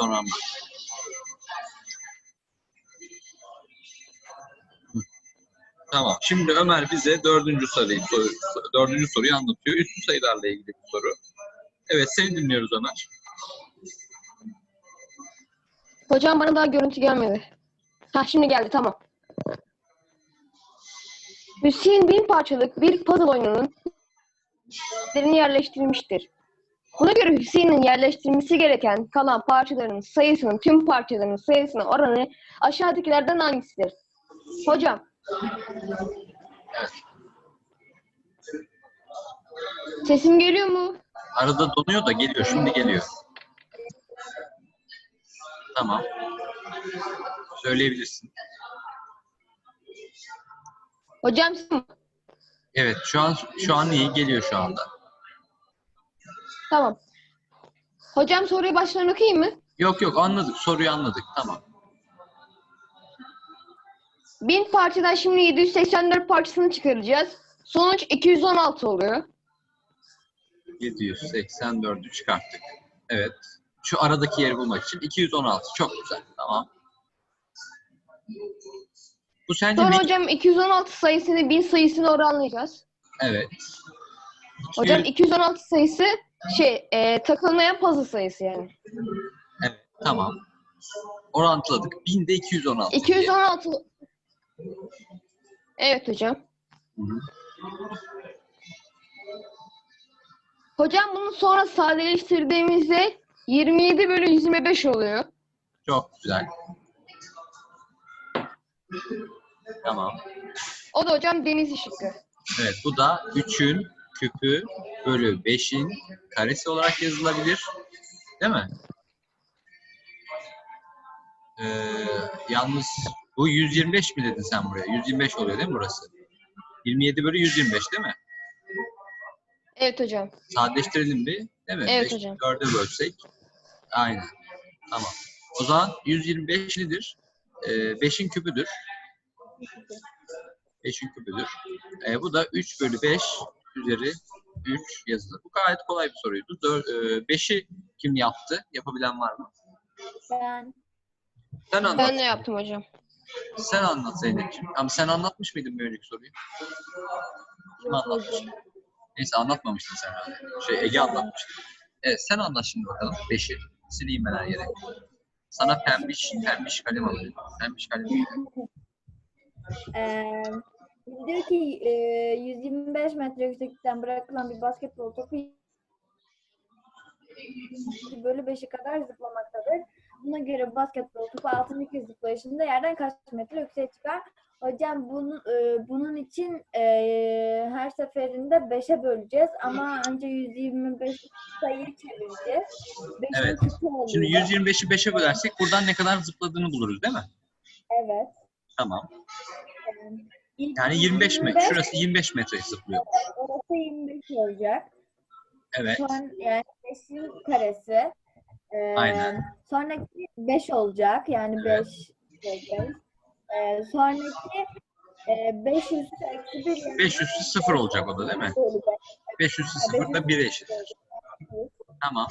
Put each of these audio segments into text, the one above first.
sonra anlat. Tamam. Şimdi Ömer bize dördüncü soruyu anlatıyor. Üslü sayılarla ilgili bir soru. Evet, seni dinliyoruz Ömer. Hocam bana daha görüntü gelmedi. Şimdi geldi, tamam. Hüseyin 1000 parçalık bir puzzle oyununun yerini yerleştirmiştir. Buna göre Hüseyin'in yerleştirilmesi gereken kalan parçaların sayısının tüm parçaların sayısına oranı aşağıdakilerden hangisidir? Hocam. Sesim geliyor mu? Arada donuyor da geliyor. Şimdi geliyor. Tamam. Söyleyebilirsin. Hocam. Evet, şu an iyi geliyor şu anda. Tamam. Hocam soruyu baştan okuyayım mı? Yok anladık. Soruyu anladık. Tamam. 1000 parçadan şimdi 784 parçasını çıkaracağız. Sonuç 216 oluyor. 784'ü çıkarttık. Evet. Şu aradaki yeri bulmak için 216. Çok güzel. Tamam. Bu sence Sonra ne? hocam 216 sayısını 1000 sayısına oranlayacağız. Evet. Hocam 216 sayısı takılmayan puzzle sayısı yani. Evet. Tamam. Orantıladık. 1000'de 216. 216. Evet hocam. Hı-hı. Hocam bunu sonra sadeleştirdiğimizde 27/125 oluyor. Çok güzel. Tamam. O da hocam deniz şıkkı. Evet, bu da 3'ün küpü bölü 5'in karesi olarak yazılabilir. Değil mi? Yalnız bu 125 mi dedin sen buraya? 125 oluyor değil mi burası? 27/125 değil mi? Evet hocam. Sadeleştirelim bir. Değil mi? Evet 5'i hocam. 4'e bölsek. Aynen. Tamam. O zaman 125 nedir? 5'in küpüdür. 5'in küpüdür. Bu da 3/5 üzeri 3 yazılır. Bu gayet kolay bir soruydu. 5'i kim yaptı? Yapabilen var mı? Ben. Sen anlat. Ben ne yaptım hocam? Sen anlat Zeynep'ciğim. Ama sen anlatmış mıydın bir önceki soruyu? Kim anlatmış? Neyse anlatmamıştın sen herhalde. Ege anlatmıştı. Evet sen anlat şimdi bakalım. 5'i. Sileyim ben her yere. Sana pembiş kalem alayım. Pembiş kalem alayım. Diyor ki 125 metre yükseklikten bırakılan bir basketbol topu bölü 5'e kadar zıplamaktadır. Buna göre basketbol topu 6. kez zıplayışında yerden kaç metre yükseğe çıkar? Hocam bunun için her seferinde 5'e böleceğiz ama önce 125 sayıyı çevireceğiz. Evet. Şimdi 125'i 5'e bölersek buradan ne kadar zıpladığını buluruz değil mi? Evet. Tamam. Yani 25 metre. Şurası 25 metre zıplıyor. Orası 25 olacak. Evet. Sonra yani 5'in karesi. Aynen. Sonraki 5 olacak. Yani Evet. 5 olacak. Sonraki 5 üstü eksi 1. 5 üstü 0 olacak o da değil mi? 5 üstü 0 da 1'e eşittir. Tamam.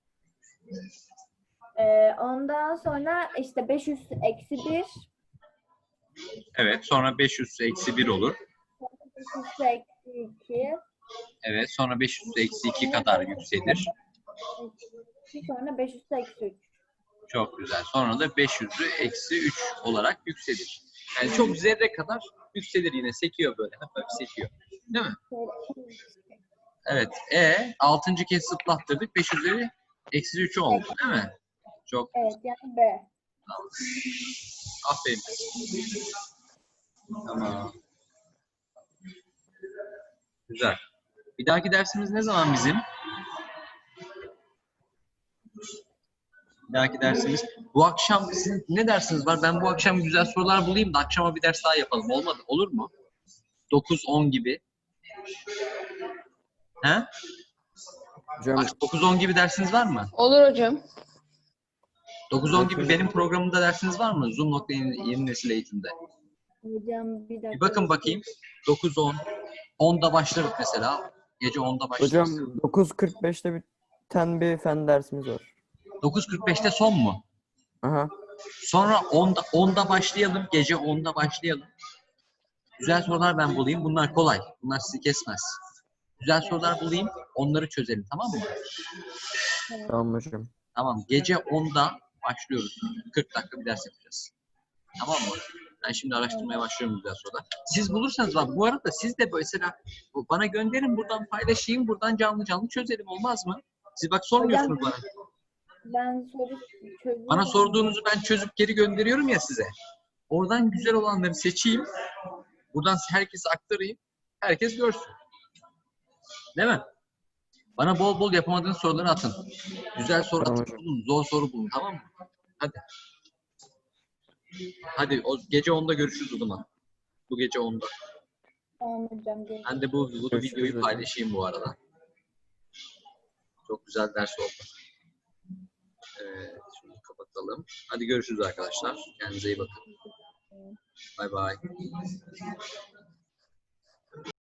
Ondan sonra işte 5 üstü eksi 1. Evet. Sonra 5 üstü eksi 1 olur. 5 üstü eksi 2. Evet. Sonra 5 üstü eksi 2 kadar yükselir. Sonra 5 üstü eksi 3. Çok güzel. Sonra da 5 üstü eksi 3 olarak yükselir. Yani çok zerre kadar yükselir yine. Sekiyor böyle. Hafif sekiyor. Değil mi? Evet. 6. kez zıplattırdık. 5 üzeri eksi 3 oldu. Değil mi? Çok Evet. Yani B. tamam. Aferin. Tamam. Güzel. Bir dahaki dersimiz ne zaman bizim? Bir dahaki dersimiz. Bu akşam sizin ne dersiniz var? Ben bu akşam güzel sorular bulayım da akşama bir ders daha yapalım. Olmadı. Olur mu? 9-10 gibi. He? Hocam 9-10 gibi dersiniz var mı? Olur hocam. 9-10 gibi benim programımda dersiniz var mı? Zoom.yeni nesil eğitimde. Hocam bir dakika. Bir bakın bakayım. 9-10. 10'da başlarız mesela. Gece 10'da başlarız. hocam 9.45'te biten bir fen dersimiz var. 9.45'te son mu? Aha. Sonra 10'da başlayalım. Gece 10'da başlayalım. Güzel sorular ben bulayım. Bunlar kolay. Bunlar sizi kesmez. Güzel sorular bulayım. Onları çözelim. Tamam mı? Tamam hocam. Tamam. Gece 10'da başlıyoruz. 40 dakika bir ders yapacağız. Tamam mı? Ben şimdi araştırmaya başlıyorum güzel sorular. Siz bulursanız bak bu arada siz de mesela bana gönderin, buradan paylaşayım. Buradan canlı canlı çözelim, olmaz mı? Siz bak sormuyorsunuz bana. Ben soru çözüyorum. Bana sorduğunuzu ben çözüp geri gönderiyorum ya size. Oradan güzel olanları seçeyim. Buradan herkese aktarayım. Herkes görsün. Değil mi? Bana bol bol yapamadığınız soruları atın. Güzel soru Tamam atın, hocam. bulun. Zor soru bulun. Tamam mı? Hadi. Hadi o gece 10'da görüşürüz o zaman. Bu gece 10'da. Tamam hocam. Görüşürüz. Ben de bu Görüşürüz videoyu hocam. paylaşayım bu arada. Çok güzel ders oldu. Şunu kapatalım. Hadi görüşürüz arkadaşlar. Kendinize iyi bakın. Bay bay.